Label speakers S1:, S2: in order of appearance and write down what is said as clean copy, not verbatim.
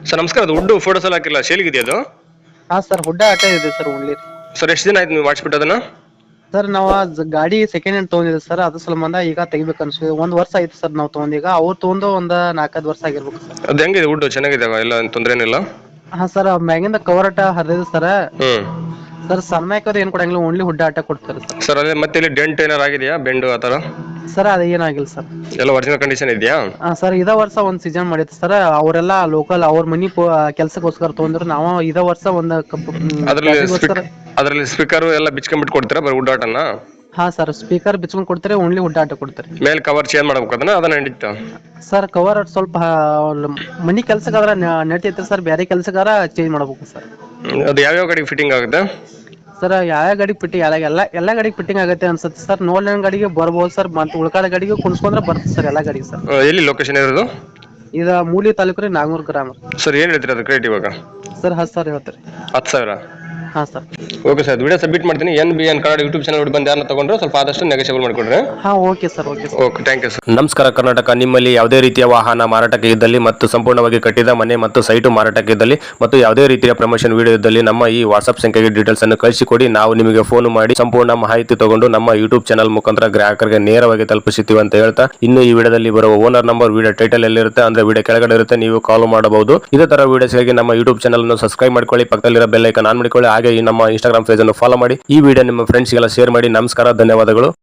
S1: Sir ನಮಸ್ಕಾರ, ಅದು wood photos ಎಲ್ಲ ಹಾಕಿಲ್ಲ, ಸೇಲಿಗಿದೆಯಾ ಅದು?
S2: ಹಾ ಸರ್, ಹುಡ್ಡ ಆಟ ಇದೆ ಸರ್ ಓನ್ಲಿ.
S1: ಸರ್ ಎಷ್ಟು ದಿನ ಆಯ್ತು ನೀವು ಮಾಡಿಸ್ಬಿಟ್ಟು ಅದನ್ನ?
S2: ಸರ್ ನಾವು ಗಾಡಿ ಸೆಕೆಂಡ್ ಹ್ಯಾಂಡ್ ತೊಗೊಂಡಿದ್ದೆ ಸರ್, ಅದ್ರ ಸಂಬಂಧ ಈಗ ತೆಗಿಬೇಕು ಅನ್ಸುತ್ತೆ. ಒಂದ್ ವರ್ಷ ಆಯ್ತು ಸರ್ ನಾವು ತೊಗೊಂಡೀಗ. ಅವ್ರು ತೊಗೊಂಡು ಒಂದ್ 4-5 ವರ್ಷ ಆಗಿರ್ಬೇಕು ಸರ್.
S1: ಅದು ಹೆಂಗಿದೆ ವುಡ್, ಚೆನ್ನಾಗಿದೆ ಎಲ್ಲ ತೊಂದರೆ ಏನಿಲ್ಲ?
S2: ಹಾ ಸರ್, ಮ್ಯಾಗಿಂದ ಕವರ್ ಆಟ ಹರಿದಿದೆ ಸರ್.
S1: ಹ್ಮ್
S2: ಸರ್ ಸನ್ಮೈಕರ್ ಏನ್ ಕೊಡಂಗಿಲ್ಲ, ಓನ್ಲಿ ಹುಡ್ಡ ಆಟ ಕೊಡ್ತಾರೆ ಸರ್.
S1: ಸರ್ ಅದೇ ಮತ್ತೆ ಇಲ್ಲಿ ಡೆಂಟ್ ಏನಾರು ಆಗಿದೆಯಾ, ಬೆಂಡು ಆ ಥರ?
S2: ಸರ್ ಅದು ಏನಾಗಿಲ್ಲ ಸರ್.
S1: ಎಲ್ಲ ಒರಿಜಿನಲ್ ಕಂಡೀಷನ್ ಇದೆಯಾ?
S2: ಹಾ ಸರ್, ಇದ ವರ್ಷ ಒಂದ್ ಸೀಸನ್ ಮಾಡಿತ್ತು ಸರ್. ಅವರೆಲ್ಲ ಲೋಕಲ್ ಅವ್ರ ಮನಿ ಕೆಲ್ಸಕ್ಕೋಸ್ಕರ ತೊಗೊಂಡ್ರು. ನಾವು ಇದ ವರ್ಷ ಒಂದ್
S1: ಅದರಲ್ಲಿ
S2: ಪ್ಯಾಸಿಗೋಸ್ಕರ.
S1: ಅದರಲ್ಲಿ ಸ್ಪೀಕರ್ ಎಲ್ಲ ಬಿಚ್ಕೊಂಡ್ಬಿಟ್ಟು ಕೊಡ್ತೀರಾ ಬರೀ ವುಡ್ ಆಟನ?
S2: ಹಾ ಸರ್, ಸ್ಪೀಕರ್ ಬಿಚ್ಕೊಂಡ್ ಕೊಡ್ತಾರೆ, ಓನ್ಲಿ ಹುಡ್ಡ ಆಟ ಕೊಡ್ತಾರೆ.
S1: ಮೇಲೆ ಕವರ್ ಚೇಂಜ್ ಮಾಡ್ಬೇಕು ಅದನ್ನ ನಡೀತಾ?
S2: ಸರ್ ಕವರ್ ಸ್ವಲ್ಪ ಮನಿ ಕೆಲ್ಸಕ್ಕಾದ್ರ ನಡೀತೈತೆ ಸರ್, ಬೇರೆ ಕೆಲ್ಸಕ್ಕಾದ್ರ ಚೇಂಜ್ ಮಾಡ್ಬೇಕು ಸರ್.
S1: ಅದು ಯಾವ್ಯಾವ ಗಾಡಿಗೆ ಫಿಟ್ಟಿಂಗ್ ಆಗುತ್ತೆ?
S2: ಸರ್ ಯಾವ ಗಾಡಿಗೆ ಫಿಟ್ಟಿಂಗ್ ಎಲ್ಲ ಗಾಡಿಗೆ ಫಿಟ್ಟಿಂಗ್ ಆಗುತ್ತೆ ಅನ್ಸುತ್ತೆ ಸರ್. ನೋಡ್ಲಿನ ಗಾಡಿಗೆ ಬರ್ಬೋದು ಸರ್, ಮತ್ತೆ ಉಳ್ಕಾದ ಗಾಡಿಗೆ ಕುಣಿಸ್ಕೊಂಡ್ರೆ ಬರುತ್ತೆ ಸರ್ ಎಲ್ಲ ಗಾಡಿಗೆ ಸರ್.
S1: ಎಲ್ಲಿ ಲೊಕೇಶನ್ ಇರೋದು?
S2: ಇದು ಮೂಲಿ ತಾಲೂಕು ರೀ, ನಾಗನೂರ್ ಗ್ರಾಮ.
S1: ಸರ್ ಏನು ಹೇಳ್ತೀರಾ ಅದು ರೇಟ್ ಇವಾಗ?
S2: ಸರ್ 10,000 ಹೇಳ್ತೀರಿ.
S1: 10,000?
S2: ಹಾ sir.
S1: Okay sir, video submit ಮಾಡ್ತೀನಿ. NBN ಕನ್ನಡ ಯೂಟ್ಯೂಬ್ ಚಾನಲ್ ಬಂದು ಯಾರನ್ನ ತಗೊಂಡ್ರೆ ಸ್ವಲ್ಪ ಆದಷ್ಟು ನೆಗೋಷಿಯಬಲ್ ಮಾಡಿಕೊಡ್ರಿ.
S2: ಹಾ okay sir, okay sir.
S1: Okay, thank you sir. ನಮಸ್ಕಾರ ಕರ್ನಾಟಕ. ನಿಮ್ಮಲ್ಲಿ ಯಾವುದೇ ರೀತಿಯ ವಾಹನ ಮಾರಾಟಕ್ಕೆ ಇದ್ದಲ್ಲಿ ಮತ್ತು ಸಂಪೂರ್ಣವಾಗಿ ಕಟ್ಟಿದ ಮನೆ ಮತ್ತು ಸೈಟು ಮಾರಾಟಕ್ಕೆ ಇದ್ದಲ್ಲಿ ಮತ್ತು ಯಾವುದೇ ರೀತಿಯ ಪ್ರಮೋಷನ್ ವಿಡಿಯೋ ಇದ್ದಲ್ಲಿ ನಮ್ಮ ಈ ವಾಟ್ಸ್ಆಪ್ ಸಂಖ್ಯೆಗೆ ಡೀಟೇಲ್ಸ್ ಅನ್ನು ಕಳಿಸಿಕೊಡಿ. ನಾವು ನಿಮಗೆ ಫೋನ್ ಮಾಡಿ ಸಂಪೂರ್ಣ ಮಾಹಿತಿ ತಗೊಂಡು ನಮ್ಮ ಯೂಟ್ಯೂಬ್ ಚಾನಲ್ ಮುಖಾಂತರ ಗ್ರಾಹಕರಿಗೆ ನೇರವಾಗಿ ತಲುಪಿಸುತ್ತೀವಿ ಅಂತ ಹೇಳ್ತಾ, ಇನ್ನು ಈ ವಿಡಿಯೋದಲ್ಲಿ ಬರುವ ಓನರ್ ನಂಬರ್ ವಿಡಿಯೋ ಟೈಟಲ್ ಎಲ್ಲಿರುತ್ತೆ ಅಂದ್ರೆ ವಿಡಿಯೋ ಕೆಳಗಡೆ ಇರುತ್ತೆ, ನೀವು ಕಾಲ್ ಮಾಡಬಹುದು. ಇದೇ ತರ ವಿಡಿಯೋಸ್ಗಾಗಿ ನಮ್ಮ ಯೂಟ್ಯೂಬ್ ಚಾನಲ್ ಅನ್ನು ಸಬ್ಸ್ಕ್ರೈಬ್ ಮಾಡ್ಕೊಳ್ಳಿ, ಪಕ್ಕದಲ್ಲಿರೋ ಬೆಲ್ ಐಕಾನ್ ಆನ್ ಮಾಡಿಕೊಳ್ಳಿ. ಹಾಗೆ ಈ ನಮ್ಮ ಇನ್ಸ್ಟಾಗ್ರಾಮ್ ಪೇಜ್ ಅನ್ನು ಫಾಲೋ ಮಾಡಿ. ಈ ವಿಡಿಯೋ ನಿಮ್ಮ ಫ್ರೆಂಡ್ಸ್ಗೆಲ್ಲ ಶೇರ್ ಮಾಡಿ. ನಮಸ್ಕಾರ, ಧನ್ಯವಾದಗಳು.